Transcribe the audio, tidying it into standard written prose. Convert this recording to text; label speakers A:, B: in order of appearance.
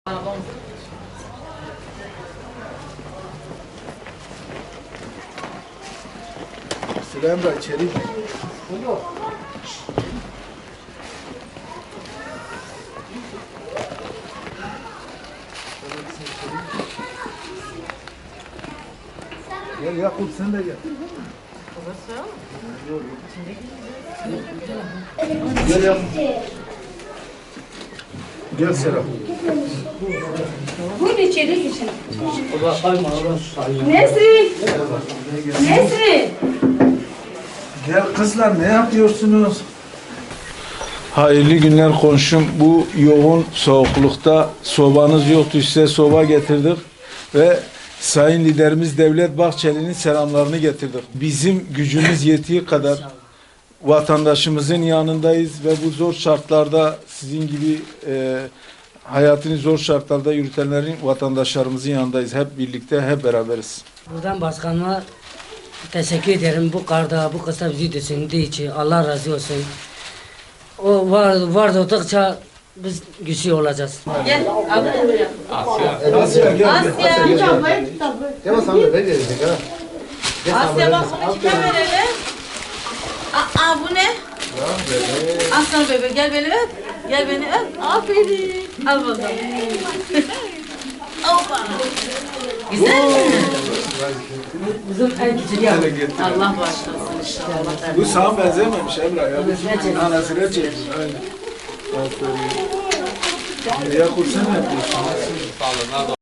A: Süleyman Bey içeri. Gel Yakup sen de gel. Gel Yakup. Gel Serap.
B: Buyurun içeri geçin. Nesrin! Nesrin!
A: Gel kızlar ne yapıyorsunuz? Hayırlı günler komşum. Bu yoğun soğuklukta sobanız yoktu, size soba getirdik ve Sayın Liderimiz Devlet Bahçeli'nin selamlarını getirdik. Bizim gücümüz yettiği kadar vatandaşımızın yanındayız ve bu zor şartlarda sizin gibi hayatını zor şartlarda yürütenlerin, vatandaşlarımızın yanındayız. Hep birlikte, hep beraberiz.
C: Buradan başkanıma teşekkür ederim. Bu karda, bu kısa bizi düşündüğü için Allah razı olsun. O var oldukça biz güçlü olacağız.
B: Gel, abi buraya.
A: Asya gel.
B: Asya. Asya bak bunu kime verelim? Aa bu ne? Aslan bebe gel beni öp. Gel beni öp. Aferin. Al bakalım. Hoppa. Güzel mi?
C: Bizim en küçük ya.
B: Allah başlasın inşallah.
A: Bu sana benzememiş Emrah ya. Bizim anasıyla çekmiş. Aynen. Aferin. Yakup sen ne yapıyorsun?